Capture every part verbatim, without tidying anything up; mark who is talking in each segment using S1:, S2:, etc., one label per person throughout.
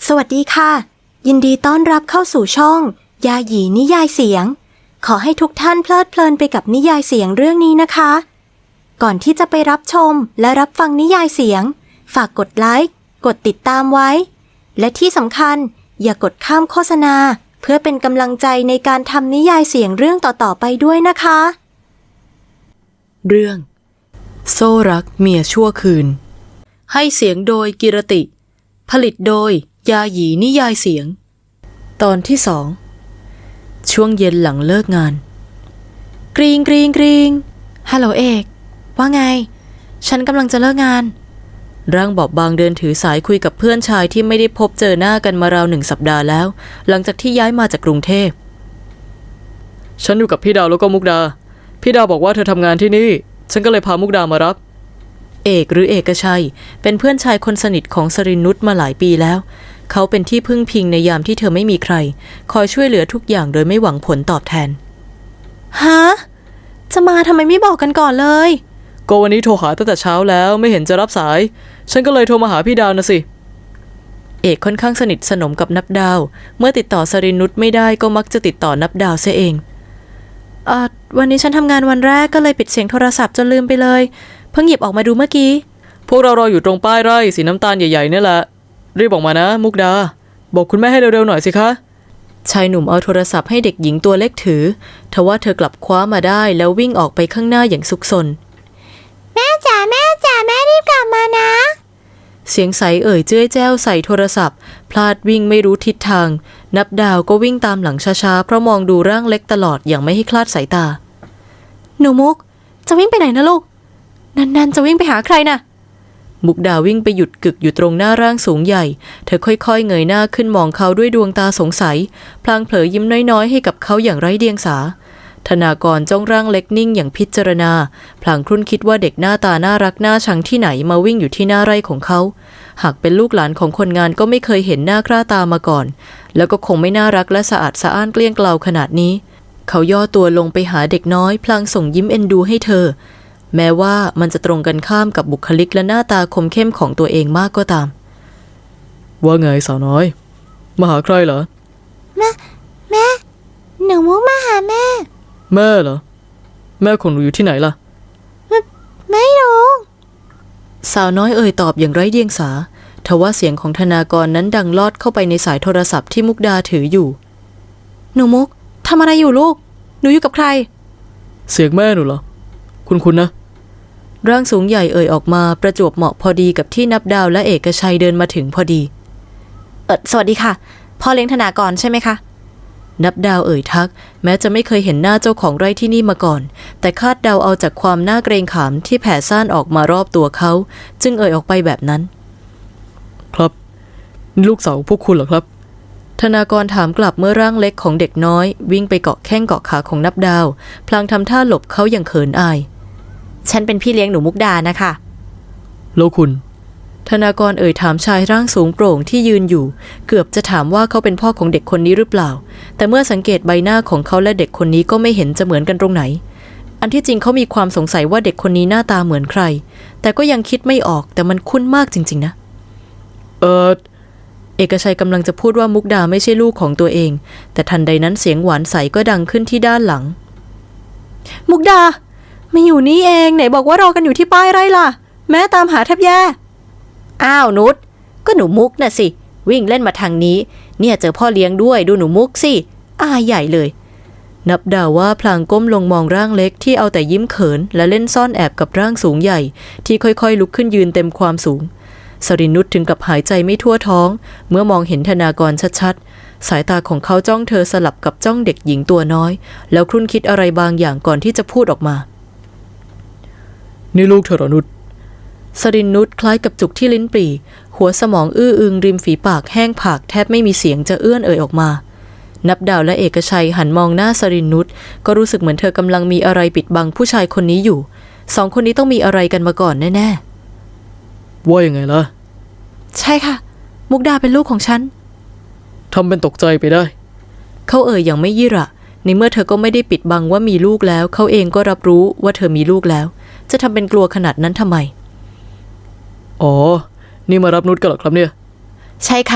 S1: สวัสดีค่ะยินดีต้อนรับเข้าสู่ช่องยาหยีนิยายเสียงขอให้ทุกท่านเพลิดเพลินไปกับนิยายเสียงเรื่องนี้นะคะก่อนที่จะไปรับชมและรับฟังนิยายเสียงฝากกดไลค์กดติดตามไว้และที่สำคัญอย่ากดข้ามโฆษณาเพื่อเป็นกำลังใจในการทำนิยายเสียงเรื่องต่อๆไปด้วยนะคะ
S2: เรื่องโซ่รักเมียชั่วคืนให้เสียงโดยกิรติผลิตโดยยาหยีนิยายเสียงตอนที่สองช่วงเย็นหลังเลิกงานกรีงกรีงกรีงฮัลโหลเอกว่าไงฉันกำลังจะเลิกงานร่างบอบบางเดินถือสายคุยกับเพื่อนชายที่ไม่ได้พบเจอหน้ากันมาราวหนึ่งสัปดาห์แล้วหลังจากที่ย้ายมาจากกรุงเทพฉันอยู่กับพี่ดาวแล้วก็มุกดาพี่ดาวบอกว่าเธอทำงานที่นี่ฉันก็เลยพามุกดามารับเอกหรือเอกชัยเป็นเพื่อนชายคนสนิทของสรินุชมาหลายปีแล้วเขาเป็นที่พึ่งพิงในยามที่เธอไม่มีใครคอยช่วยเหลือทุกอย่างโดยไม่หวังผลตอบแทนฮะจะมาทำไมไม่บอกกันก่อนเลยก็วันนี้โทรหาตั้งแต่เช้าแล้วไม่เห็นจะรับสายฉันก็เลยโทรมาหาพี่ดาวนะสิเอกค่อนข้างสนิทสนมกับนับดาวเมื่อติดต่อสรินุชไม่ได้ก็มักจะติดต่อนับดาวเสียเองอ่าวันนี้ฉันทำงานวันแรกก็เลยปิดเสียงโทรศัพท์จนลืมไปเลยเพิ่งหยิบออกมาดูเมื่อกี้พวกเรารออยู่ตรงป้ายไร่สีน้ำตาลใหญ่ๆนี่แหละรีบออกมานะมุกดาบอกคุณแม่ให้เร็วๆหน่อยสิคะชายหนุ่มเอาโทรศัพท์ให้เด็กหญิงตัวเล็กถือทว่าเธอกลับคว้ามาได้แล้ววิ่งออกไปข้างหน้าอย่างซุกซน
S3: แม่จ๋าแม่จ๋าแม่รีบกลับมานะ
S2: เสียงใสเอ่ยเจ้ยแจ้วใส่โทรศัพท์พลาดวิ่งไม่รู้ทิศทางนับดาวก็วิ่งตามหลังช้าๆเพราะมองดูร่างเล็กตลอดอย่างไม่ให้คลาดสายตาหนูมุกจะวิ่งไปไหนนะลูกนันๆจะวิ่งไปหาใครนะมุกดาวิ่งไปหยุดกึกอยู่ตรงหน้าร่างสูงใหญ่เธอค่อยๆเงยหน้าขึ้นมองเขาด้วยดวงตาสงสัยพลางเผลอยิ้มน้อยๆให้กับเขาอย่างไร้เดียงสาธนากรจ้องร่างเล็กนิ่งอย่างพิจารณาพลางครุ่นคิดว่าเด็กหน้าตาน่ารักน่าชังที่ไหนมาวิ่งอยู่ที่หน้าไร่ของเขาหากเป็นลูกหลานของคนงานก็ไม่เคยเห็นหน้าค่าตามาก่อนแล้วก็คงไม่น่ารักและสะอาดสะอ้านเกลี้ยงเกลาขนาดนี้เขาย่อตัวลงไปหาเด็กน้อยพลางส่งยิ้มเอ็นดูให้เธอแม้ว่ามันจะตรงกันข้ามกับบุคลิกและหน้าตาคมเข้มของตัวเองมากก็ตามว่าไงสาวน้อยมาหาใครเหรอ
S3: แม่แม่หนูมุกมาหาแม่
S2: แม่เหรอแม่ของหนูอยู่ที่ไหนล่ะ
S3: ไม่ไม่รู้
S2: สาวน้อยเอ่ยตอบอย่างไร้เดียงสาทว่าเสียงของธนากรนั้นดังลอดเข้าไปในสายโทรศัพท์ที่มุกดาถืออยู่หนูมุกทำอะไรอยู่ลูกหนูอยู่กับใครเสียงแม่หนูเหรอคุณคุณนะร่างสูงใหญ่เอ่ยออกมาประจวบเหมาะพอดีกับที่นับดาวและเอกชัยเดินมาถึงพอดีเออสวัสดีค่ะพ่อเลี้ยงธนากรใช่ไหมคะนับดาวเอ่ยทักแม้จะไม่เคยเห็นหน้าเจ้าของไร่ที่นี่มาก่อนแต่คาดเดาเอาจากความน่าเกรงขามที่แผ่ซ่านออกมารอบตัวเขาจึงเอ่ยออกไปแบบนั้นครับนี่ลูกสาวพวกคุณเหรอครับธนากรถามกลับเมื่อร่างเล็กของเด็กน้อยวิ่งไปเกาะแข้งเกาะขาของนับดาวพลางทำท่าหลบเขาอย่างเขินอายฉันเป็นพี่เลี้ยงหนูมุกดานะคะแล้วคุณธนากรเอ่ยถามชายร่างสูงโปร่งที่ยืนอยู่เกือบจะถามว่าเขาเป็นพ่อของเด็กคนนี้หรือเปล่าแต่เมื่อสังเกตใบหน้าของเขาและเด็กคนนี้ก็ไม่เห็นจะเหมือนกันตรงไหนอันที่จริงเขามีความสงสัยว่าเด็กคนนี้หน้าตาเหมือนใครแต่ก็ยังคิดไม่ออกแต่มันคุ้นมากจริงๆนะเออเอกชัยกำลังจะพูดว่ามุกดาไม่ใช่ลูกของตัวเองแต่ทันใดนั้นเสียงหวานใสก็ดังขึ้นที่ด้านหลังมุกดามาอยู่นี่เองไหนบอกว่ารอกันอยู่ที่ป้ายไร่ล่ะแม่ตามหาแทบแย่อ้าวนุชก็หนูมุกน่ะสิวิ่งเล่นมาทางนี้เนี่ยเจอพ่อเลี้ยงด้วยดูหนูมุกสิอายใหญ่เลยนับดาวว่าพลางก้มลงมองร่างเล็กที่เอาแต่ยิ้มเขินและเล่นซ่อนแอบกับร่างสูงใหญ่ที่ค่อยๆลุกขึ้นยืนเต็มความสูงสรินุชถึงกับหายใจไม่ทั่วท้องเมื่อมองเห็นธนากรชัดๆสายตาของเขาจ้องเธอสลับกับจ้องเด็กหญิงตัวน้อยแล้วครุ่นคิดอะไรบางอย่างก่อนที่จะพูดออกมานี่ลูกเธอเหรอนุชสรินุชคล้ายกับจุกที่ลิ้นปี่หัวสมองอื้ออึงริมฝีปากแห้งผากแทบไม่มีเสียงจะเอื้อนเอ่ยออกมานับดาวและเอกชัยหันมองหน้าสรินุชก็รู้สึกเหมือนเธอกำลังมีอะไรปิดบังผู้ชายคนนี้อยู่สองคนนี้ต้องมีอะไรกันมาก่อนแน่ๆว่ายังไงล่ะใช่ค่ะมุกดาเป็นลูกของฉันทำเป็นตกใจไปได้เขาเอ่ยอย่างไม่ยี่ระในเมื่อเธอก็ไม่ได้ปิดบังว่ามีลูกแล้วเขาเองก็รับรู้ว่าเธอมีลูกแล้วจะทำเป็นกลัวขนาดนั้นทำไมอ๋อนี่มารับนุชกันเหรอครับเนี่ยใช่ค่ะ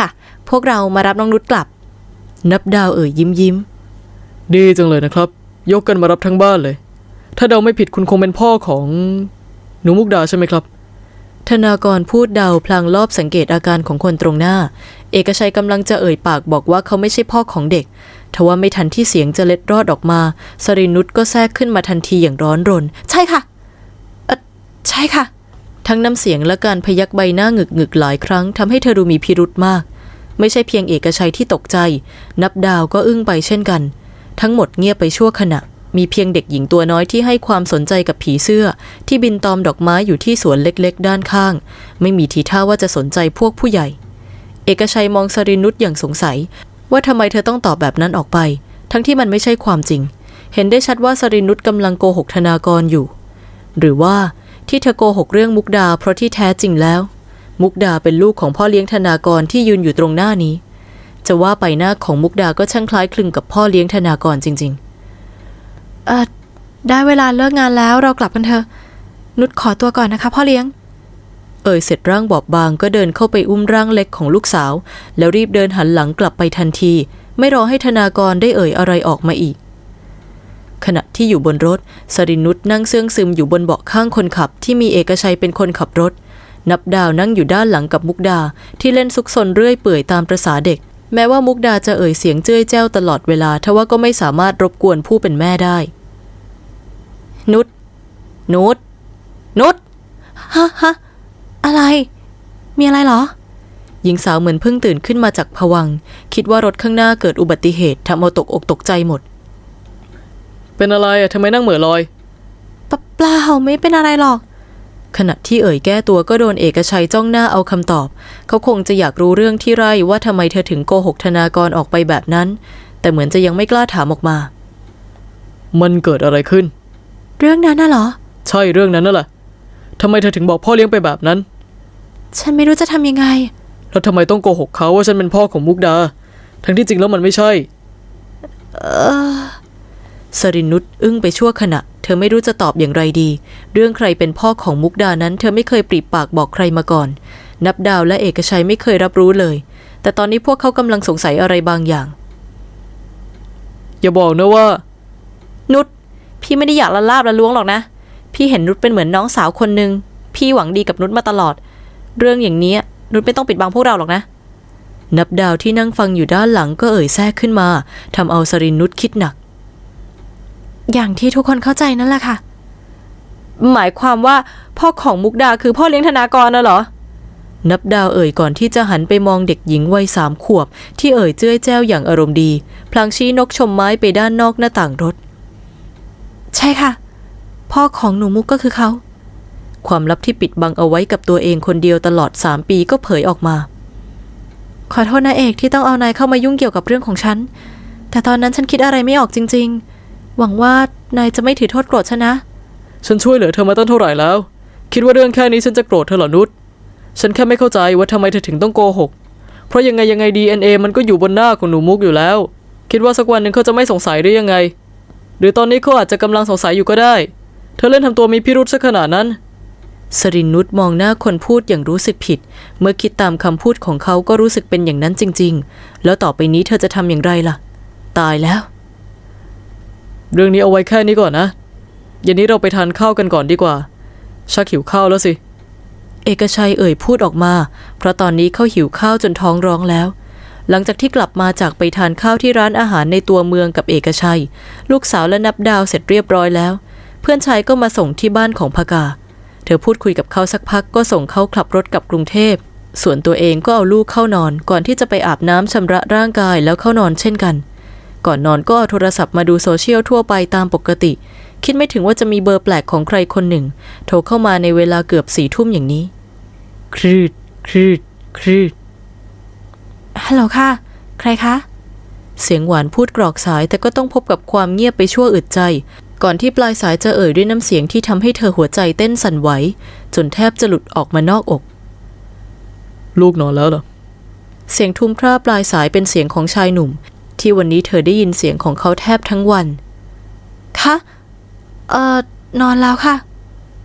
S2: พวกเรามารับน้องนุชกลับนับดาวเอ่ยยิ้มยิ้มดีจังเลยนะครับยกกันมารับทั้งบ้านเลยถ้าเดาไม่ผิดคุณคงเป็นพ่อของหนูมุกดาใช่ไหมครับธนากรพูดเดาพลางรอบสังเกตอาการของคนตรงหน้าเอกชัยกำลังจะเอ่ยปากบอกว่าเขาไม่ใช่พ่อของเด็กทว่าไม่ทันที่เสียงจะเล็ดรอดออกมาสรินุชก็แทรกขึ้นมาทันทีอย่างร้อนรนใช่ค่ะเออใช่ค่ะทั้งน้ำเสียงและการพยักใบหน้าหงึกหงึกหลายครั้งทำให้เธอดูมีพิรุธมากไม่ใช่เพียงเอกชัยที่ตกใจนับดาวก็อึ้งไปเช่นกันทั้งหมดเงียบไปชั่วขณะมีเพียงเด็กหญิงตัวน้อยที่ให้ความสนใจกับผีเสื้อที่บินตอมดอกไม้อยู่ที่สวนเล็กๆด้านข้างไม่มีทีท่าว่าจะสนใจพวกผู้ใหญ่เอกชัยมองสรินุชอย่างสงสัยว่าทำไมเธอต้องตอบแบบนั้นออกไปทั้งที่มันไม่ใช่ความจริงเห็นได้ชัดว่าสรินุชกำลังโกหกธนากรอยู่หรือว่าที่เธอโกหกเรื่องมุกดาเพราะที่แท้จริงแล้วมุกดาเป็นลูกของพ่อเลี้ยงธนากรที่ยืนอยู่ตรงหน้านี้จะว่าไปหน้าของมุกดาก็ช่างคล้ายคลึงกับพ่อเลี้ยงธนากรจริงๆเอ่อได้เวลาเลิกงานแล้วเรากลับกันเถอะนุชขอตัวก่อนนะคะพ่อเลี้ยงเอ่ยเสร็จร่างบอบบางก็เดินเข้าไปอุ้มร่างเล็กของลูกสาวแล้วรีบเดินหันหลังกลับไปทันทีไม่รอให้ธนากรได้เอ่ยอะไรออกมาอีกขณะที่อยู่บนรถสรินุชนั่งเสื่องซึมอยู่บนเบาะข้างคนขับที่มีเอกชัยเป็นคนขับรถนับดาวนั่งอยู่ด้านหลังกับมุกดาที่เล่นซุกซนเรื่อยเปื่อยตามประสาเด็กแม้ว่ามุกดาจะเอ่ยเสียงเจ้ยแจ้วตลอดเวลาทว่าก็ไม่สามารถรบกวนผู้เป็นแม่ได้นุชนุชนุชฮะฮะอะไรมีอะไรเหรอหญิงสาวเหมือนเพิ่งตื่นขึ้นมาจากภวังค์คิดว่ารถข้างหน้าเกิดอุบัติเหตุทำเอาตกอกตกใจหมดเป็นอะไรอ่ะทำไมนั่งเหม่อลอยปะเปล่าไม่เป็นอะไรหรอกขณะที่เอ่ยแก้ตัวก็โดนเอกชัยจ้องหน้าเอาคำตอบเขาคงจะอยากรู้เรื่องที่ไร่ว่าทำไมเธอถึงโกหกธนากรออกไปแบบนั้นแต่เหมือนจะยังไม่กล้าถามออกมามันเกิดอะไรขึ้นเรื่องนั้นน่ะเหรอใช่เรื่องนั้นน่ะแหละทำไมเธอถึงบอกพ่อเลี้ยงไปแบบนั้นฉันไม่รู้จะทำยังไงแล้วทำไมต้องโกหกเขาว่าฉันเป็นพ่อของมุกดาทั้งที่จริงแล้วมันไม่ใช่เออสรินุชอึ้งไปชั่วขณะเธอไม่รู้จะตอบอย่างไรดีเรื่องใครเป็นพ่อของมุกดานั้นเธอไม่เคยปริปากบอกใครมาก่อนนับดาวและเอกชัยไม่เคยรับรู้เลยแต่ตอนนี้พวกเขากำลังสงสัยอะไรบางอย่างอย่าบอกนะว่านุชพี่ไม่ได้อยากละลาบละล้วงหรอกนะพี่เห็นนุชเป็นเหมือนน้องสาวคนหนึ่งพี่หวังดีกับนุชมาตลอดเรื่องอย่างนี้นุชไม่ต้องปิดบังพวกเราหรอกนะนับดาวที่นั่งฟังอยู่ด้านหลังก็เอ่ยแทรกขึ้นมาทำเอาสรินุชคิดหนักอย่างที่ทุกคนเข้าใจนั่นแหละค่ะหมายความว่าพ่อของมุกดาคือพ่อเลี้ยงธนากรน่ะเหรอนับดาวเอ่ยก่อนที่จะหันไปมองเด็กหญิงวัยสามขวบที่เอ่ยเจ้ยแจ้วอย่างอารมณ์ดีพลางชี้นกชมไม้ไปด้านนอกหน้าต่างรถใช่ค่ะพ่อของหนูมุกก็คือเขาความลับที่ปิดบังเอาไว้กับตัวเองคนเดียวตลอดสามปีก็เผยออกมาขอโทษนะเอกที่ต้องเอานายเข้ามายุ่งเกี่ยวกับเรื่องของฉันแต่ตอนนั้นฉันคิดอะไรไม่ออกจริงๆหวังว่านายจะไม่ถือโทษโกรธฉันนะฉันช่วยเหลือเธอมาตั้งเท่าไหร่แล้วคิดว่าเรื่องแค่นี้ฉันจะโกรธเธอเหรอนุชฉันแค่ไม่เข้าใจว่าทำไมเธอถึงต้องโกหกเพราะยังไงยังไง ดี เอ็น เอ มันก็อยู่บนหน้าของหนูมุกอยู่แล้วคิดว่าสักวันหนึ่งเขาจะไม่สงสัยได้ยังไงหรือตอนนี้เขาอาจจะกำลังสงสัยอยู่ก็ได้เธอเล่นทำตัวมีพิรุธซะขนาดนั้นสรินุชมองหน้าคนพูดอย่างรู้สึกผิดเมื่อคิดตามคำพูดของเขาก็รู้สึกเป็นอย่างนั้นจริงๆแล้วต่อไปนี้เธอจะทำอย่างไรล่ะตายแล้วเรื่องนี้เอาไว้แค่นี้ก่อนนะเย็นนี้เราไปทานข้าวกันก่อนดีกว่าชักหิวข้าวแล้วสิเอกชัยเอ่ยพูดออกมาเพราะตอนนี้เขาหิวข้าวจนท้องร้องแล้วหลังจากที่กลับมาจากไปทานข้าวที่ร้านอาหารในตัวเมืองกับเอกชัยลูกสาวและนับดาวเสร็จเรียบร้อยแล้วเพื่อนชายก็มาส่งที่บ้านของภกาเธอพูดคุยกับเขาสักพักก็ส่งเขาขับรถกลับกรุงเทพส่วนตัวเองก็เอาลูกเข้านอนก่อนที่จะไปอาบน้ำชำระร่างกายแล้วเข้านอนเช่นกันก่อนนอนก็เอาโทรศัพท์มาดูโซเชียลทั่วไปตามปกติคิดไม่ถึงว่าจะมีเบอร์แปลกของใครคนหนึ่งโทรเข้ามาในเวลาเกือบสี่ทุ่มอย่างนี้ครืดครืดครืดฮัลโหลค่ะใครคะเสียงหวานพูดกรอกสายแต่ก็ต้องพบกับความเงียบไปชั่วอึดใจก่อนที่ปลายสายจะเอ่ยด้วยน้ำเสียงที่ทำให้เธอหัวใจเต้นสั่นไหวจนแทบจะหลุดออกมานอกอกลูกนอนแล้วเหรอเสียงทุ้มพร่าปลายสายเป็นเสียงของชายหนุ่มที่วันนี้เธอได้ยินเสียงของเขาแทบทั้งวันคะเอ่อนอนแล้วค่ะ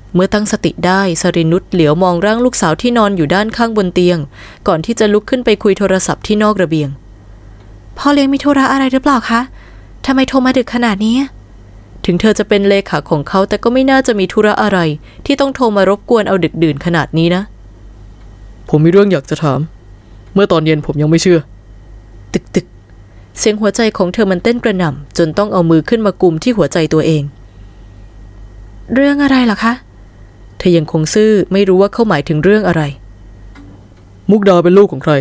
S2: เมื่อตั้งสติได้สรินุชเหลียวมองร่างลูกสาวที่นอนอยู่ด้านข้างบนเตียงก่อนที่จะลุกขึ้นไปคุยโทรศัพท์ที่นอกระเบียง
S1: พ่อเลี้ยงมีธุระอะไรหรือเปล่าคะทำไมโทรมาดึกขนาดนี้
S2: ถึงเธอจะเป็นเลขาของเขาแต่ก็ไม่น่าจะมีธุระอะไรที่ต้องโทรมารบกวนเอาดึกดื่นขนาดนี้นะ
S4: ผมมีเรื่องอยากจะถามเมื่อตอนเย็นผมยังไม่เชื่อ
S2: ตึกตึกเสียงหัวใจของเธอมันเต้นกระหน่ำจนต้องเอามือขึ้นมากุมที่หัวใจตัวเอง
S1: เรื่องอะไรเหรอคะ
S2: เธอยังคงซื่อไม่รู้ว่าเขาหมายถึงเรื่องอะไร
S4: มุกดาเป็นลูกของใคร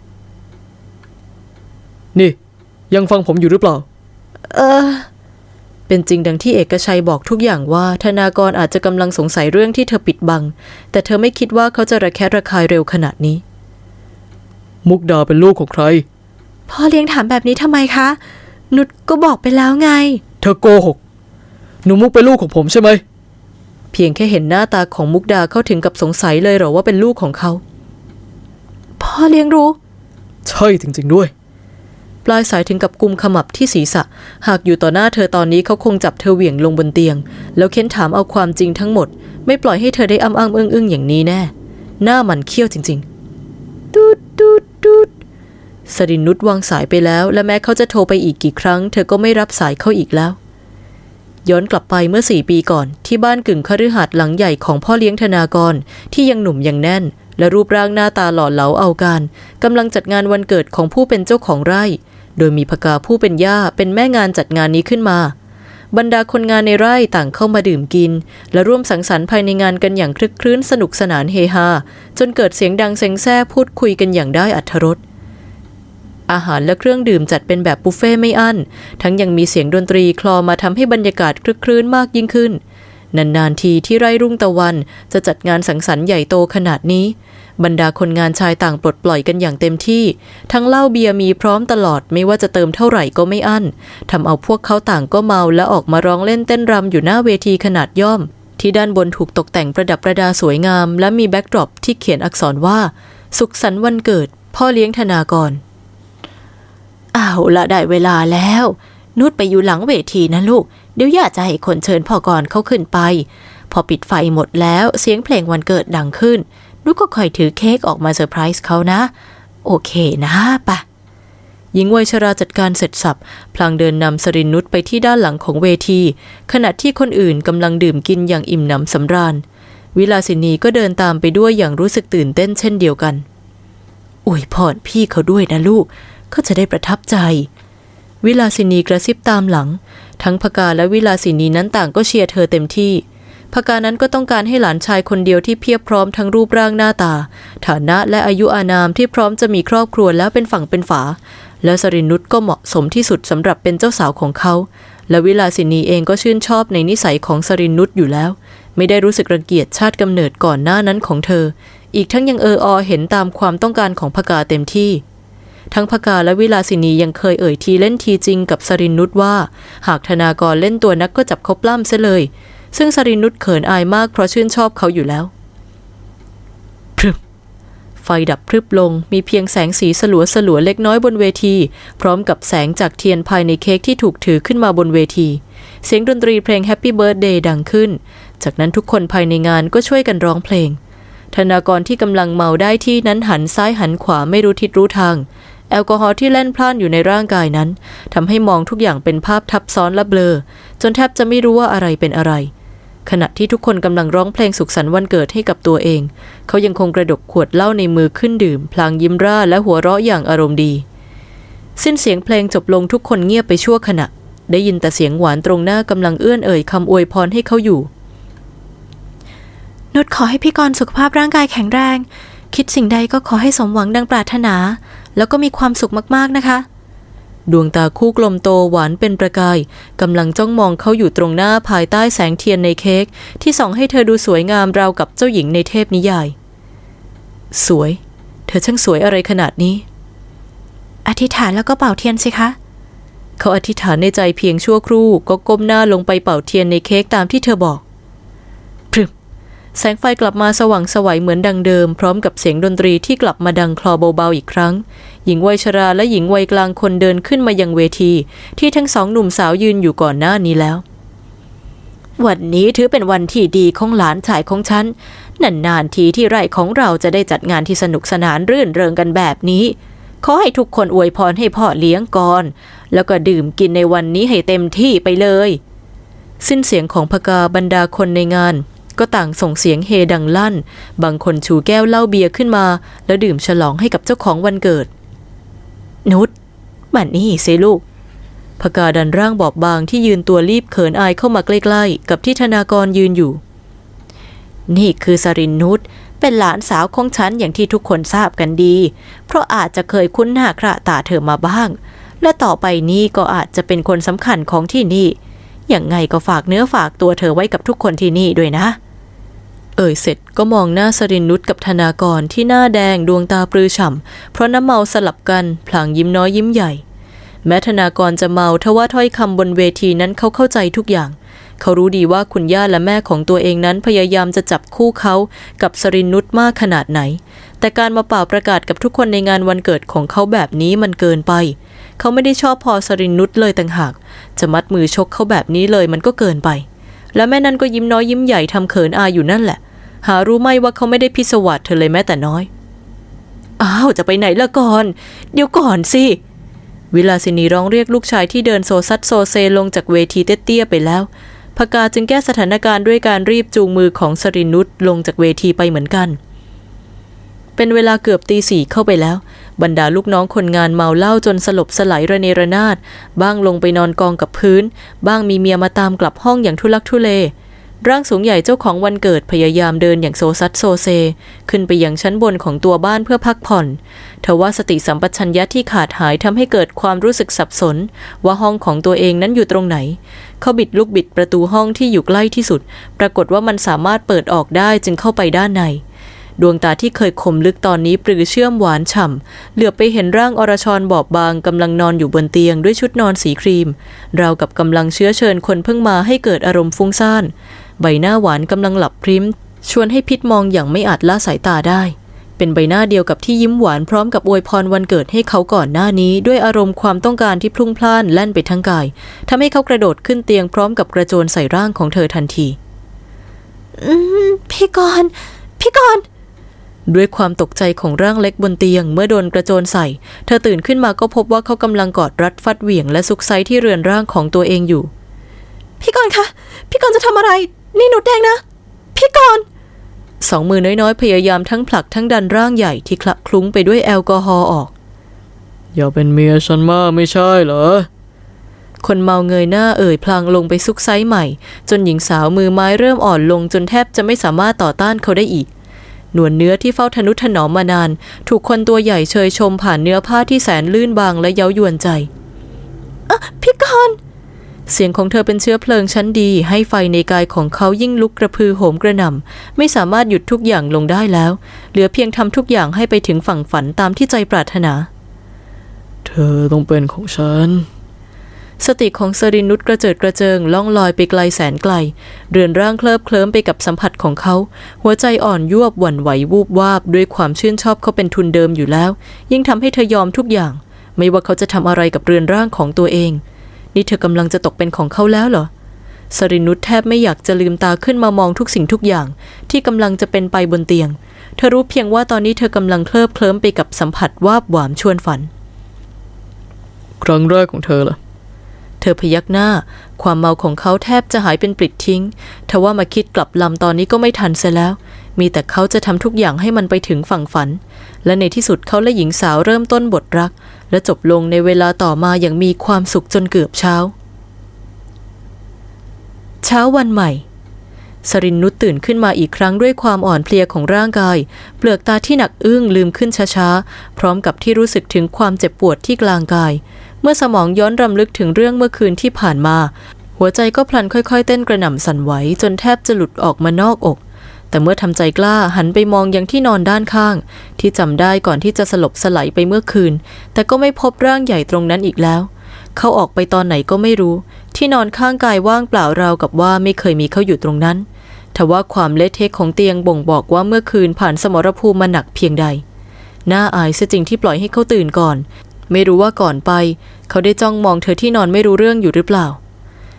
S4: นี่ยังฟังผมอยู่หรือเปล่า
S2: เออเป็นจริงดังที่เอกชัยบอกทุกอย่างว่าธนากรอาจจะกำลังสงสัยเรื่องที่เธอปิดบังแต่เธอไม่คิดว่าเขาจะระแคะระคายเร็วขนาดนี้
S4: มุกดาเป็นลูกของใคร
S1: พ่อเลี้ยงถามแบบนี้ทำไมคะนุชก็บอกไปแล้วไง
S4: เธอโกหกหนูมุกเป็นลูกของผมใช่ไหม
S2: เพียงแค่เห็นหน้าตาของมุกดาเขาถึงกับสงสัยเลยเหรอว่าเป็นลูกของเขา
S1: พ่อเลี้ยงรู้
S4: ใช่จริงๆด้วย
S2: ปลายสายถึงกับกุมขมับที่ศีรษะหากอยู่ต่อหน้าเธอตอนนี้เขาคงจับเธอเหวี่ยงลงบนเตียงแล้วเค้นถามเอาความจริงทั้งหมดไม่ปล่อยให้เธอได้อ้ำอ้ำอึ้งอึ้งอย่างนี้แน่หน้ามันเขี้ยวจริงๆตูดตูดตูดสรินุชวางสายไปแล้วและแม้เขาจะโทรไปอีกกี่ครั้งเธอก็ไม่รับสายเขาอีกแล้วย้อนกลับไปเมื่อสี่ปีก่อนที่บ้านกึ่งคฤหาสน์หลังใหญ่ของพ่อเลี้ยงธนากรที่ยังหนุ่มยังแน่นและรูปร่างหน้าตาหล่อเหลาเอาการกำลังจัดงานวันเกิดของผู้เป็นเจ้าของไร่โดยมีภกาผู้เป็นย่าเป็นแม่งานจัดงานนี้ขึ้นมาบรรดาคนงานในไร่ต่างเข้ามาดื่มกินและร่วมสังสรรค์ภายในงานกันอย่างคลึกครื้นสนุกสนานเฮฮาจนเกิดเสียงดังเซ็งแซ่พูดคุยกันอย่างได้อรรถรสอาหารและเครื่องดื่มจัดเป็นแบบบุฟเฟ่ไม่อั้นทั้งยังมีเสียงดนตรีคลอมาทำให้บรรยากาศคลึกครื้นมากยิ่งขึ้นนานๆทีที่ไร่รุ่งตะวันจะจัดงานสังสรรค์ใหญ่โตขนาดนี้บรรดาคนงานชายต่างปลดปล่อยกันอย่างเต็มที่ทั้งเหล้าเบียร์มีพร้อมตลอดไม่ว่าจะเติมเท่าไหร่ก็ไม่อั้นทำเอาพวกเขาต่างก็เมาและออกมาร้องเล่นเต้นรำอยู่หน้าเวทีขนาดย่อมที่ด้านบนถูกตกแต่งประดับประดาสวยงามและมีแบ็กดรอปที่เขียนอักษรว่าสุขสันต์วันเกิดพ่อเลี้ยงธนากร
S1: อ้าวละได้เวลาแล้วนุชไปอยู่หลังเวทีนะลูกเดี๋ยวย่าจะให้คนเชิญพ่อกรเขาขึ้นไปพอปิดไฟหมดแล้วเสียงเพลงวันเกิดดังขึ้นนุชก็คอยถือเค้กออกมาเซอร์ไพรส์เขานะโอเคนะปะหญิงวัยชราจัดการเสร็จสับพลางเดินนำสรินุชไปที่ด้านหลังของเวทีขณะที่คนอื่นกำลังดื่มกินอย่างอิ่มหนำสำราญวิลาสินีก็เดินตามไปด้วยอย่างรู้สึกตื่นเต้นเช่นเดียวกันอวยพรพี่เขาด้วยนะลูกเขาจะได้ประทับใจวิลาสินีกระซิบตามหลังทั้งภกาและวิลาสินีนั้นต่างก็เชียร์เธอเต็มที่ภกานั้นก็ต้องการให้หลานชายคนเดียวที่เพียบพร้อมทั้งรูปร่างหน้าตาฐานะและอายุอานามที่พร้อมจะมีครอบครัวแล้วเป็นฝั่งเป็นฝาและสรินุชก็เหมาะสมที่สุดสำหรับเป็นเจ้าสาวของเขาและวิลาสินีเองก็ชื่นชอบในนิสัยของสรินุชอยู่แล้วไม่ได้รู้สึกรังเกียจชาติกำเนิดก่อนหน้านั้นของเธออีกทั้งยังเอออเห็นตามความต้องการของภกาเต็มที่ทั้งภกาและวิลาสินียังเคยเอ่ยทีเล่นทีจริงกับสรินุชว่าหากธนากรเล่นตัวนักก็จับเขาปล้ำซะเลยซึ่งสรินุชเขินอายมากเพราะชื่นชอบเขาอยู่แล้วพรึบไฟดับพรึบลงมีเพียงแสงสีสลัวสลัวเล็กน้อยบนเวทีพร้อมกับแสงจากเทียนภายในเค้กที่ถูกถือขึ้นมาบนเวทีเสียงดนตรีเพลง Happy Birthday ดังขึ้นจากนั้นทุกคนภายในงานก็ช่วยกันร้องเพลงธนากรที่กำลังเมาได้ที่นั้นหันซ้ายหันขวาไม่รู้ทิศรู้ทางแอลกอฮอล์ที่แล่นพล่านอยู่ในร่างกายนั้นทำให้มองทุกอย่างเป็นภาพทับซ้อนและเบลอจนแทบจะไม่รู้ว่าอะไรเป็นอะไรขณะที่ทุกคนกำลังร้องเพลงสุขสันต์วันเกิดให้กับตัวเองเขายังคงกระดกขวดเหล้าในมือขึ้นดื่มพลางยิ้มร่าและหัวเราะอย่างอารมณ์ดีสิ้นเสียงเพลงจบลงทุกคนเงียบไปชั่วขณะได้ยินแต่เสียงหวานตรงหน้ากำลังเอื้อนเอ่ยคำอวยพรให้เขาอยู่นุชขอให้พี่กรณ์สุขภาพร่างกายแข็งแรงคิดสิ่งใดก็ขอให้สมหวังดังปรารถนาแล้วก็มีความสุขมากๆนะคะดวงตาคู่กลมโตหวานเป็นประกายกำลังจ้องมองเขาอยู่ตรงหน้าภายใต้แสงเทียนในเค้กที่ส่องให้เธอดูสวยงามราวกับเจ้าหญิงในเทพนิยายสวยเธอช่างสวยอะไรขนาดนี้อธิษฐานแล้วก็เป่าเทียนสิคะเขาอธิษฐานในใจเพียงชั่วครู่ก็ก้มหน้าลงไปเป่าเทียนในเค้กตามที่เธอบอกพรึบแสงไฟกลับมาสว่างไสวเหมือนดังเดิมพร้อมกับเสียงดนตรีที่กลับมาดังคลอเบาๆอีกครั้งหญิงวัยชราและหญิงวัยกลางคนเดินขึ้นมายังเวทีที่ทั้งสองหนุ่มสาวยืนอยู่ก่อนหน้านี้แล้ว
S2: วันนี้ถือเป็นวันที่ดีของหลานชายของฉันนานๆทีที่ไร่ของเราจะได้จัดงานที่สนุกสนานรื่นเริงกันแบบนี้ขอให้ทุกคนอวยพรให้พ่อเลี้ยงก่อนแล้วก็ดื่มกินในวันนี้ให้เต็มที่ไปเลยสิ้นเสียงของพกาบรรดาคนในงานก็ต่างส่งเสียงเฮดังลั่นบางคนชูแก้วเหล้าเบียร์ขึ้นมาแล้วดื่มฉลองให้กับเจ้าของวันเกิดนุชมานี่สิลูกพกาดันร่างบอบบางที่ยืนตัวรีบเขินอายเข้ามาใกล้ๆกับที่ธนากรยืนอยู่นี่คือสรินนุชเป็นหลานสาวของฉันอย่างที่ทุกคนทราบกันดีเพราะอาจจะเคยคุ้นหน้าคระตาเธอมาบ้างและต่อไปนี้ก็อาจจะเป็นคนสำคัญของที่นี่อย่างไงก็ฝากเนื้อฝากตัวเธอไว้กับทุกคนที่นี่ด้วยนะเอ่ยเสร็จก็มองหน้าสรินนุชกับธนากรที่หน้าแดงดวงตาปรือฉ่ำเพราะน้ำเมาสลับกันพลางยิ้มน้อยยิ้มใหญ่แม้ธนากรจะเมาทว่าถ้อยคำบนเวทีนั้นเขาเข้าใจทุกอย่างเขารู้ดีว่าคุณย่าและแม่ของตัวเองนั้นพยายามจะจับคู่เขากับสรินนุชมากขนาดไหนแต่การมาเป่าประกาศกับทุกคนในงานวันเกิดของเขาแบบนี้มันเกินไปเขาไม่ได้ชอบพอสรินนุชเลยต่างหากจะมัดมือชกเขาแบบนี้เลยมันก็เกินไปและแม่นั้นก็ยิ้มน้อยยิ้มใหญ่ทำเขินอายอยู่นั่นแหละหารู้ไหมว่าเขาไม่ได้พิศวาสเธอเลยแม้แต่น้อยอ้าวจะไปไหนละก่อนเดี๋ยวก่อนสิวิลาสินีร้องเรียกลูกชายที่เดินโซซัดโซเซลงจากเวทีเตี้ยๆไปแล้วพกาจึงแก้สถานการณ์ด้วยการรีบจูงมือของสรินนุชลงจากเวทีไปเหมือนกันเป็นเวลาเกือบตีสี่เข้าไปแล้วบรรดาลูกน้องคนงานเมาเหล้าจนสลบสลายระเนระนาดบ้างลงไปนอนกองกับพื้นบ้างมีเมียมาตามกลับห้องอย่างทุลักทุเลร่างสูงใหญ่เจ้าของวันเกิดพยายามเดินอย่างโซซัดโซเซขึ้นไปยังชั้นบนของตัวบ้านเพื่อพักผ่อนทว่าสติสัมปชัญญะที่ขาดหายทำให้เกิดความรู้สึกสับสนว่าห้องของตัวเองนั้นอยู่ตรงไหนเขาบิดลูกบิดประตูห้องที่อยู่ใกล้ที่สุดปรากฏว่ามันสามารถเปิดออกได้จึงเข้าไปด้านในดวงตาที่เคยคมลึกตอนนี้ปรือเชื่อมหวานฉ่ำเหลือบไปเห็นร่างอรชรบอบบางกำลังนอนอยู่บนเตียงด้วยชุดนอนสีครีมราวกับกำลังเชื้อเชิญคนเพิ่งมาให้เกิดอารมณ์ฟุ้งซ่านใบหน้าหวานกำลังหลับพริ้มชวนให้พิษมองอย่างไม่อาจละสายตาได้เป็นใบหน้าเดียวกับที่ยิ้มหวานพร้อมกับอวยพรวันเกิดให้เขาก่อนหน้านี้ด้วยอารมณ์ความต้องการที่พลุ่งพล่านแล่นไปทั้งกายทำให้เขากระโดดขึ้นเตียงพร้อมกับกระโจนใส่ร่างของเธอทันที
S3: อืมพี่กรณ์พี่กรณ์
S2: ด้วยความตกใจของร่างเล็กบนเตียงเมื่อโดนกระโจนใส่เธอตื่นขึ้นมาก็พบว่าเขากำลังกอดรัดฟัดเหวี่ยงและซุกไซที่เรือนร่างของตัวเองอยู่
S3: พี่กรณ์คะพี่กรณ์จะทำอะไรนี่หนูแดงนะพี่กรณ์
S2: สองมือน้อยๆพยายามทั้งผลักทั้งดันร่างใหญ่ที่คละคลุ้งไปด้วยแอลกอฮอล์ออก
S4: อย่าเป็นเมียฉันมากไม่ใช่เหรอ
S2: คนเมาเงยหน้าเอ่ยพลางลงไปซุกไซใหม่จนหญิงสาวมือไม้เริ่มอ่อนลงจนแทบจะไม่สามารถต่อต้านเขาได้อีกหนวดเนื้อที่เฝ้าทนุถนอมมานานถูกคนตัวใหญ่เชยชมผ่านเนื้อผ้าที่แสนลื่นบางและเย้ายวนใจ
S3: อ่ะพี่กรณ์
S2: เสียงของเธอเป็นเชื้อเพลิงชั้นดีให้ไฟในกายของเขายิ่งลุกกระพือโหมกระหน่ำไม่สามารถหยุดทุกอย่างลงได้แล้วเหลือเพียงทำทุกอย่างให้ไปถึงฝั่งฝันตามที่ใจปรารถนา
S4: เธอต้องเป็นของฉัน
S2: สติของสรินนุชกระเจิดกระเจิงล่องลอยไปไกลแสนไกลเรือนร่างเคลิบเคลิ้มไปกับสัมผัสของเขาหัวใจอ่อนยวบหวั่นไหววูบวาบด้วยความชื่นชอบเขาเป็นทุนเดิมอยู่แล้วยิ่งทำให้เธอยอมทุกอย่างไม่ว่าเขาจะทำอะไรกับเรือนร่างของตัวเองนี่เธอกำลังจะตกเป็นของเขาแล้วเหรอสรินนุชแทบไม่อยากจะลืมตาขึ้นมามองทุกสิ่งทุกอย่างที่กำลังจะเป็นไปบนเตียงเธอรู้เพียงว่าตอนนี้เธอกำลังเคลิบเคลิ้มไปกับสัมผัสวาบหวามชวนฝัน
S4: ครั้งแรกของเธอล่ะ
S2: เธอพยักหน้าความเมาของเขาแทบจะหายเป็นปลิดทิ้งทว่ามาคิดกลับลำตอนนี้ก็ไม่ทันเสียแล้วมีแต่เขาจะทำทุกอย่างให้มันไปถึงฝั่งฝันและในที่สุดเขาและหญิงสาวเริ่มต้นบทรักและจบลงในเวลาต่อมาอย่างมีความสุขจนเกือบเช้าเช้าวันใหม่สรินนุชตื่นขึ้นมาอีกครั้งด้วยความอ่อนเพลียของร่างกายเปลือกตาที่หนักอึ้งลืมขึ้นช้าๆพร้อมกับที่รู้สึกถึงความเจ็บปวดที่กลางกายเมื่อสมองย้อนรำลึกถึงเรื่องเมื่อคืนที่ผ่านมาหัวใจก็พลันค่อยๆเต้นกระหน่ำสั่นไหวจนแทบจะหลุดออกมานอกอกแต่เมื่อทำใจกล้าหันไปมองยังที่นอนด้านข้างที่จำได้ก่อนที่จะสลบสลายไปเมื่อคืนแต่ก็ไม่พบร่างใหญ่ตรงนั้นอีกแล้วเขาออกไปตอนไหนก็ไม่รู้ที่นอนข้างกายว่างเปล่าราวกับว่าไม่เคยมีเขาอยู่ตรงนั้นทว่าความเละเทะของเตียงบ่งบอกว่าเมื่อคืนผ่านสมรภูมิมาหนักเพียงใดน่าอายเสียจริงที่ปล่อยให้เขาตื่นก่อนไม่รู้ว่าก่อนไปเขาได้จ้องมองเธอที่นอนไม่รู้เรื่องอยู่หรือเปล่า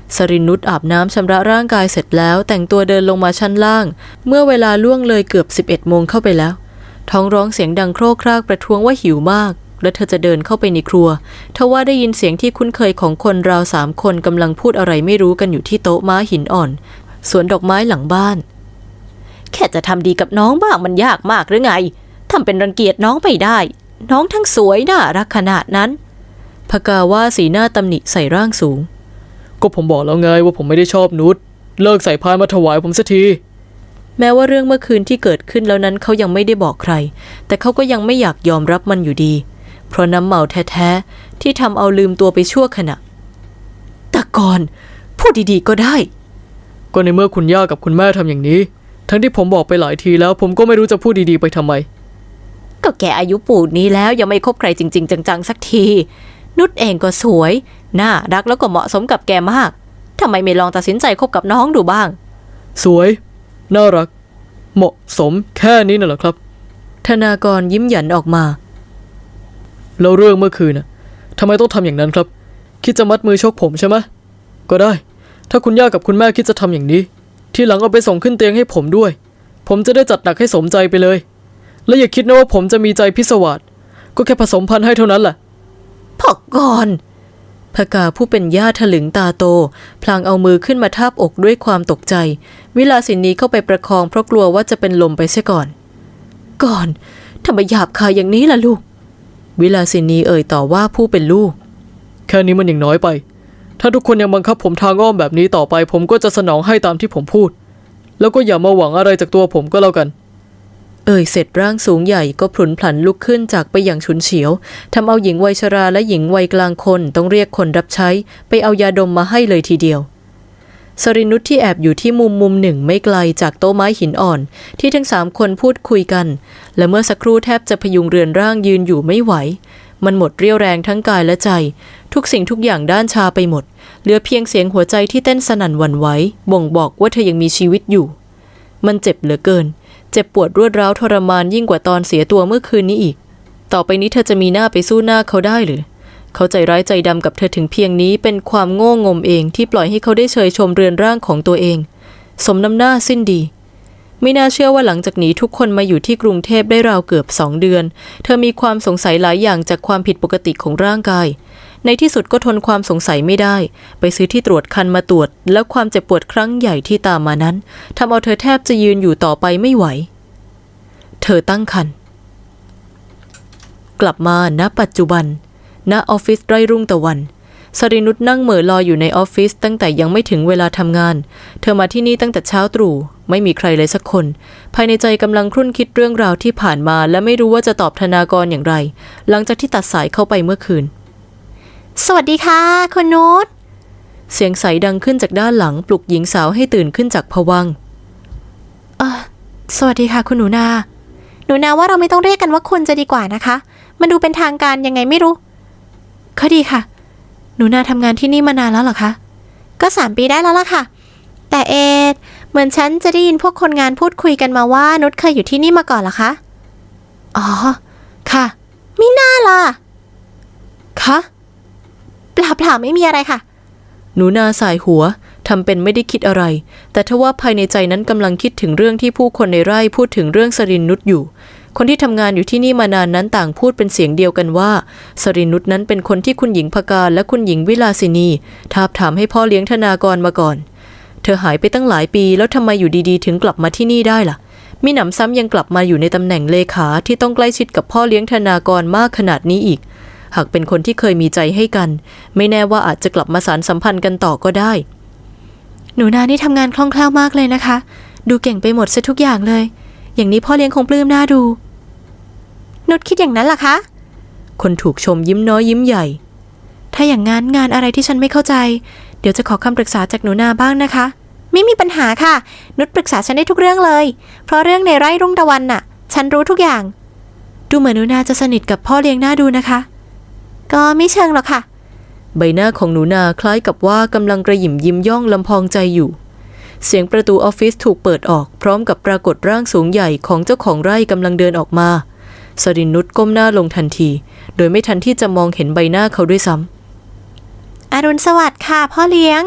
S2: สรินุชอาบน้ำชำระร่างกายเสร็จแล้วแต่งตัวเดินลงมาชั้นล่างเมื่อเวลาล่วงเลยเกือบสิบเอ็ดโมงเข้าไปแล้วท้องร้องเสียงดังโครกครากประท้วงว่าหิวมากและเธอจะเดินเข้าไปในครัวทว่าได้ยินเสียงที่คุ้นเคยของคนราวสามคนกำลังพูดอะไรไม่รู้กันอยู่ที่โต๊ะม้าหินอ่อนสวนดอกไม้หลังบ้านแค่จะทำดีกับน้องบ้างมันยากมากหรือไงทำเป็นรังเกียจน้องไปได้น้องทั้งสวยน่ารักขนาดนั้นพกาว่าสีหน้าตำหนิใส่ร่างสูง
S4: ก็ผมบอกแล้วไงว่าผมไม่ได้ชอบนุชเลิกใส่พานมาถวายผมสักที
S2: แม้ว่าเรื่องเมื่อคืนที่เกิดขึ้นแล้วนั้นเขายังไม่ได้บอกใครแต่เขาก็ยังไม่อยากยอมรับมันอยู่ดีเพราะน้ำเมาแท้ๆที่ทำเอาลืมตัวไปชั่วขณะแต่ก่อนพูดดีๆก็ได้
S4: ก็ในเมื่อคุณย่ากับคุณแม่ทำอย่างนี้ทั้งที่ผมบอกไปหลายทีแล้วผมก็ไม่รู้จะพูดดีๆไปทำไม
S2: ก็แกอายุปูนนี้แล้วยังไม่คบใครจริงๆจังๆสักทีนุชเองก็สวยน่ารักแล้วก็เหมาะสมกับแกมากทำไมไม่ลองตัดสินใจคบกับน้องดูบ้าง
S4: สวยน่ารักเหมาะสมแค่นี้น่ะเหรอครับ
S2: ธนากรยิ้มหยันออกมา
S4: แล้วเรื่องเมื่อคืนน่ะทำไมต้องทำอย่างนั้นครับคิดจะมัดมือชกผมใช่ไหมก็ได้ถ้าคุณย่ากับคุณแม่คิดจะทำอย่างนี้ทีหลังเอาไปส่งขึ้นเตียงให้ผมด้วยผมจะได้จัดหนักให้สมใจไปเลยและอย่าคิดนะว่าผมจะมีใจพิศวาสก็แค่ผสมพันธุ์ให้เท่านั้นแหละ
S2: พ่อก่อนพกาผู้เป็นย่าถลึงตาโตพลางเอามือขึ้นมาทาบอกด้วยความตกใจวิลาสินีเข้าไปประคองเพราะกลัวว่าจะเป็นลมไปเสียก่อนก่อนทำไมหยาบคายอย่างนี้ล่ะลูกวิลาสินีเอ่ยต่อว่าผู้เป็นลูก
S4: แค่นี้มันยังน้อยไปถ้าทุกคนยังบังคับผมทางอ้อมแบบนี้ต่อไปผมก็จะสนองให้ตามที่ผมพูดแล้วก็อย่ามาหวังอะไรจากตัวผมก็แล้วกัน
S2: เอ่ยเสร็จร่างสูงใหญ่ก็พลุนพลันลุกขึ้นจากไปอย่างฉุนเฉียวทำเอาหญิงวัยชราและหญิงวัยกลางคนต้องเรียกคนรับใช้ไปเอายาดมมาให้เลยทีเดียวสรินุชที่แอบอยู่ที่มุมมุมหนึ่งไม่ไกลจากโต๊ะไม้หินอ่อนที่ทั้งสามคนพูดคุยกันและเมื่อสักครู่แทบจะพยุงเรือนร่างยืนอยู่ไม่ไหวมันหมดเรี่ยวแรงทั้งกายและใจทุกสิ่งทุกอย่างด้านชาไปหมดเหลือเพียงเสียงหัวใจที่เต้นสนั่นหวั่นไหวบ่งบอกว่าเธอยังมีชีวิตอยู่มันเจ็บเหลือเกินเจ็บปวดรวดร้าวทรมานยิ่งกว่าตอนเสียตัวเมื่อคืนนี้อีกต่อไปนี้เธอจะมีหน้าไปสู้หน้าเขาได้หรือเขาใจร้ายใจดำกับเธอถึงเพียงนี้เป็นความโง่งมเองที่ปล่อยให้เขาได้เชยชมเรือนร่างของตัวเองสมน้ำหน้าสิ้นดีไม่น่าเชื่อว่าหลังจากนี้ทุกคนมาอยู่ที่กรุงเทพได้ราวเกือบสองเดือนเธอมีความสงสัยหลายอย่างจากความผิดปกติของร่างกายในที่สุดก็ทนความสงสัยไม่ได้ไปซื้อที่ตรวจคันมาตรวจแล้วความเจ็บปวดครั้งใหญ่ที่ตามมานั้นทำเอาเธอแทบจะยืนอยู่ต่อไปไม่ไหวเธอตั้งครรภ์กลับมาณปัจจุบันณออฟฟิศไร่รุ่งตะวันสรินุชนั่งเหม่อลอยอยู่ในออฟฟิศตั้งแต่ยังไม่ถึงเวลาทำงานเธอมาที่นี่ตั้งแต่เช้าตรู่ไม่มีใครเลยสักคนภายในใจกำลังครุ่นคิดเรื่องราวที่ผ่านมาและไม่รู้ว่าจะตอบธนากรอย่างไรหลังจากที่ตัดสายเข้าไปเมื่อคืน
S1: สวัสดีค่ะคุณนุช
S2: เสียงใสดังขึ้นจากด้านหลังปลุกหญิงสาวให้ตื่นขึ้นจากภวังค์
S1: เออสวัสดีค่ะคุณหนูนาหนูนาว่าเราไม่ต้องเรียกกันว่าคุณจะดีกว่านะคะมันดูเป็นทางการยังไงไม่รู้ก็ดีค่ะหนูนาทำงานที่นี่มานานแล้วเหรอคะก็สามปีได้แล้วล่ะค่ะแต่เอดเหมือนฉันจะได้ยินพวกคนงานพูดคุยกันมาว่านุชเคยอยู่ที่นี่มาก่อนเหรอคะอ๋อค่ะมิน่าล่ะคะเปล่าเปล่าไม่มีอะไรค่ะ
S2: หนูนาสายหัวทำเป็นไม่ได้คิดอะไรแต่ทว่าภายในใจนั้นกำลังคิดถึงเรื่องที่ผู้คนในไร่พูดถึงเรื่องสรินุชอยู่คนที่ทำงานอยู่ที่นี่มานานนั้นต่างพูดเป็นเสียงเดียวกันว่าสรินุชนั้นเป็นคนที่คุณหญิงภกาและคุณหญิงวิลาสินีทาบถามให้พ่อเลี้ยงธนากรมาก่อนเธอหายไปตั้งหลายปีแล้วทำไมอยู่ดีๆถึงกลับมาที่นี่ได้ล่ะมิหนำซ้ำยังกลับมาอยู่ในตำแหน่งเลขาที่ต้องใกล้ชิดกับพ่อเลี้ยงธนากรมากขนาดนี้อีกหากเป็นคนที่เคยมีใจให้กันไม่แน่ว่าอาจจะกลับมาสานสัมพันธ์กันต่อก็ได้
S1: หนูนานี่ทำงานคล่องแคล่วมากเลยนะคะดูเก่งไปหมดซะทุกอย่างเลยอย่างนี้พ่อเลี้ยงคงปลื้มน่าดูนุชคิดอย่างนั้นล่ะคะ
S2: คนถูกชมยิ้มน้อยยิ้มใหญ่
S1: ถ้าอย่างงั้นงานอะไรที่ฉันไม่เข้าใจเดี๋ยวจะขอคำปรึกษาจากหนูนาบ้างนะคะไม่มีปัญหาค่ะนุชปรึกษาฉันได้ทุกเรื่องเลยเพราะเรื่องในไร่รุ่งตะวันน่ะฉันรู้ทุกอย่างดูเหมือนหนูนาจะสนิทกับพ่อเลี้ยงน่าดูนะคะก็ไม่เชิงหรอกค่ะ
S2: ใบหน้าของหนูนาคล้ายกับว่ากำลังกระหยิมยิ้มย่องลำพองใจอยู่เสียงประตูออฟฟิศถูกเปิดออกพร้อมกับปรากฏร่างสูงใหญ่ของเจ้าของไร่กำลังเดินออกมาสรินุชก้มหน้าลงทันทีโดยไม่ทันที่จะมองเห็นใบหน้าเขาด้วยซ้ำ
S1: อรุณสวัสดิ์ค่ะพ่อเลี้ยง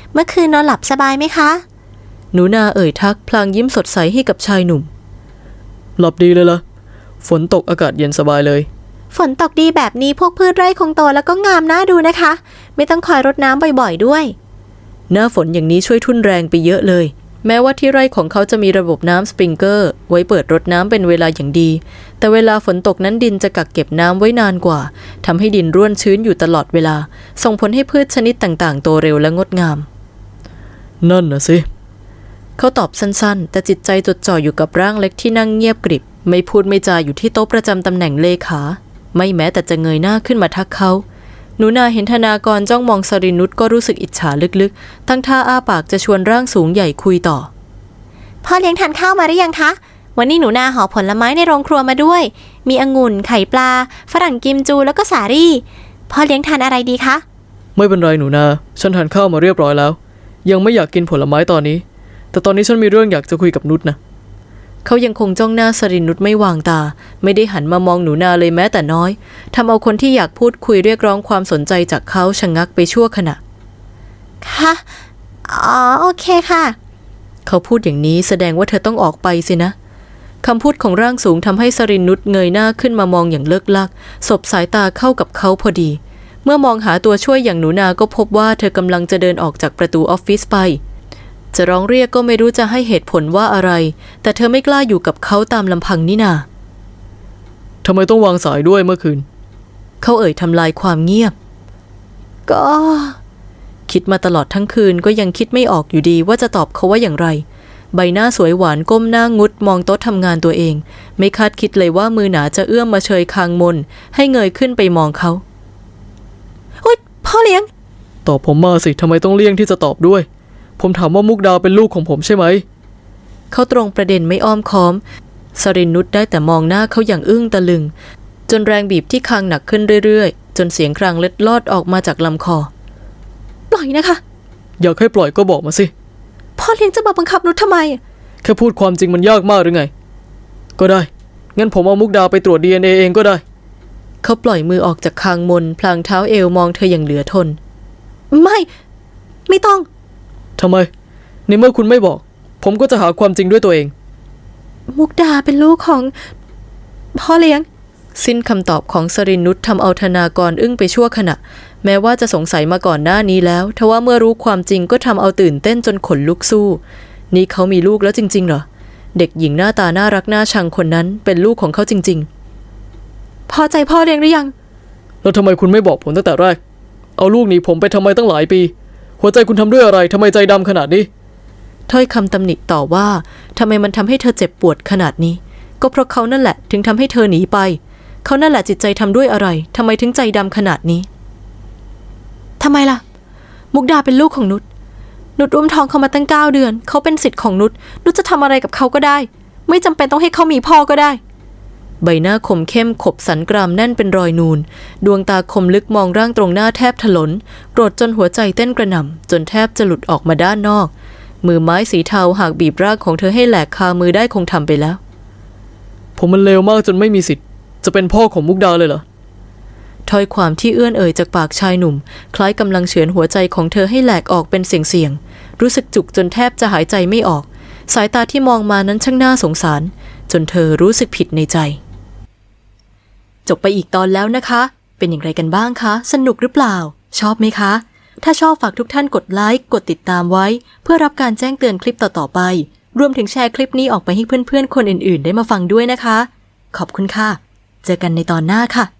S1: เมื่อคืนนอนหลับสบายไหมคะ
S2: หนูนาเอ่ยทักพลางยิ้มสดใสให้กับชายหนุ่ม
S4: หลับดีเลยล่ะ ฝนตกอากาศเย็นสบายเลย
S1: ฝนตกดีแบบนี้พวกพืชไร่คงโตแล้วก็งามน่าดูนะคะ ไม่ต้องคอยรดน้ำบ่อยๆด้วย
S2: หน้าฝนอย่างนี้ช่วยทุ่นแรงไปเยอะเลย แม้ว่าที่ไร่ของเขาจะมีระบบน้ำสปริงเกอร์ไว้เปิดรดน้ำเป็นเวลาอย่างดีแต่เวลาฝนตกนั้นดินจะกักเก็บน้ำไว้นานกว่าทำให้ดินร่วนชื้นอยู่ตลอดเวลาส่งผลให้พืชชนิดต่างๆโตเร็วและงดงาม
S4: นั่นนะสิ
S2: เขาตอบสั้นๆแต่จิตใจจดจ่ออยู่กับร่างเล็กที่นั่งเงียบกริบไม่พูดไม่จาอยู่ที่โต๊ะประจำตำแหน่งเลขาไม่แม้แต่จะเงยหน้าขึ้นมาทักเขาหนูนาเห็นธนากรจ้องมองสรินุชก็รู้สึกอิจฉาลึกๆตั้งท่าอ้าปากจะชวนร่างสูงใหญ่คุยต่อ
S1: พ่อเลี้ยงทานข้าวมาหรือยังคะวันนี้หนูนาห่อผลไม้ในโรงครัวมาด้วยมีองุ่นไข่ปลาฝรั่งกิมจูแล้วก็สาลี่พ่อเลี้ยงทานอะไรดีคะ
S4: ไม่เป็นไรหนูนาฉันทานข้าวมาเรียบร้อยแล้วยังไม่อยากกินผลไม้ตอนนี้แต่ตอนนี้ฉันมีเรื่องอยากจะคุยกับนุชนะ
S2: เขายังคงจ้องหน้าสรินุชไม่วางตาไม่ได้หันมามองหนูนาเลยแม้แต่น้อยทำเอาคนที่อยากพูดคุยเรียกร้องความสนใจจากเขาชะงักไปชั่วขณะ
S1: ค่ะอ๋อโอเคค่ะ
S2: เขาพูดอย่างนี้แสดงว่าเธอต้องออกไปสินะคำพูดของร่างสูงทำให้สรินุชเงยหน้าขึ้นมามองอย่างเลิกลักสบสายตาเข้ากับเขาพอดีเมื่อมองหาตัวช่วยอย่างหนูนาก็พบว่าเธอกำลังจะเดินออกจากประตูออฟฟิศไปจะร้องเรียกก็ไม่รู้จะให้เหตุผลว่าอะไรแต่เธอไม่กล้าอยู่กับเขาตามลำพังนี่นา
S4: ทำไมต้องวางสายด้วยเมื่อคืน
S2: เขาเอ่ยทำลายความเงียบก็คิดมาตลอดทั้งคืนก็ยังคิดไม่ออกอยู่ดีว่าจะตอบเขาว่าอย่างไรใบหน้าสวยหวานก้มหน้างุดมองโต๊ะทำงานตัวเองไม่คาดคิดเลยว่ามือหนาจะเอื้อมมาเชยคางมนให้เงยขึ้นไปมองเขา
S1: อุ๊ยพ่อเลี้ยง
S4: ตอบผมมาสิทำไมต้องเลี่ยงที่จะตอบด้วยผมถามว่ามุกดาเป็นลูกของผมใช่ไหม
S2: เขาตรงประเด็นไม่อ้อมค้อมสรินุชได้แต่มองหน้าเขาอย่างอึ้งตะลึงจนแรงบีบที่คางหนักขึ้นเรื่อยๆจนเสียงครางเล็ดลอดออกมาจากลำคอ
S1: ปล่อยนะคะ
S4: อยากให้ปล่อยก็บอกมาสิ
S1: พ่อเลี้ยงจะมาบังคับนุชทำไม
S4: แค่พูดความจริงมันยากมากหรือไงก็ได้งั้นผมเอามุกดาไปตรวจ ดี เอ็น เอ เองก็ได้
S2: เขาปล่อยมือออกจากคางมนพลางเท้าเอวมองเธออย่างเหลือทน
S1: ไม่ไม่ต้อง
S4: ทำไมในเมื่อคุณไม่บอกผมก็จะหาความจริงด้วยตัวเอง
S1: มุกดาเป็นลูกของพ่อเลี้ยง
S2: สิ้นคำตอบของสรินุชทำเอาธนากรอึ้งไปชั่วขณะแม้ว่าจะสงสัยมาก่อนหน้านี้แล้วทว่าเมื่อรู้ความจริงก็ทำเอาตื่นเต้นจนขนลุกสู้นี่เขามีลูกแล้วจริงๆเหรอเด็กหญิงหน้าตาน่ารักน่าชังคนนั้นเป็นลูกของเขาจริง
S1: ๆพอใจพ่อเลี้ยงหรือยัง
S4: แล้วทำไมคุณไม่บอกผมตั้งแต่แรกเอาลูกหนีผมไปทำไมตั้งหลายปีหัวใจคุณทำด้วยอะไรทำไมใจดำขนาดนี้
S2: ถ้อยคำตำหนิต่อว่าทำไมมันทำให้เธอเจ็บปวดขนาดนี้ก็เพราะเขานั่นแหละถึงทำให้เธอหนีไปเขานั่นแหละจิตใจทำด้วยอะไรทำไมถึงใจดำขนาดนี้
S1: ทำไมล่ะมุกดาเป็นลูกของนุชนุชอุ้มท้องเขามาตั้งเก้าเดือนเขาเป็นสิทธิ์ของนุชนุชจะทำอะไรกับเขาก็ได้ไม่จำเป็นต้องให้เขามีพ่อก็ได้
S2: ใบหน้าคมเข้มขบสันกรามแน่นเป็นรอยนูนดวงตาคมลึกมองร่างตรงหน้าแทบถลนโกรธจนหัวใจเต้นกระหน่ำจนแทบจะหลุดออกมาด้านนอกมือไม้สีเทาหากบีบร่างของเธอให้แหลกคามือได้คงทำไปแล้ว
S4: ผมมันเลวมากจนไม่มีสิทธิ์จะเป็นพ่อของมุกดาเลยเหรอ
S2: ถ้อยความที่เอื้อนเอ่ยจากปากชายหนุ่มคล้ายกำลังเฉือนหัวใจของเธอให้แหลกออกเป็นเสียงๆรู้สึกจุกจนแทบจะหายใจไม่ออกสายตาที่มองมานั้นช่างน่าสงสารจนเธอรู้สึกผิดในใจจบไปอีกตอนแล้วนะคะเป็นอย่างไรกันบ้างคะสนุกหรือเปล่าชอบไหมคะถ้าชอบฝากทุกท่านกดไลค์กดติดตามไว้เพื่อรับการแจ้งเตือนคลิปต่อๆไปรวมถึงแชร์คลิปนี้ออกไปให้เพื่อนๆคนอื่นๆได้มาฟังด้วยนะคะขอบคุณค่ะเจอกันในตอนหน้าค่ะ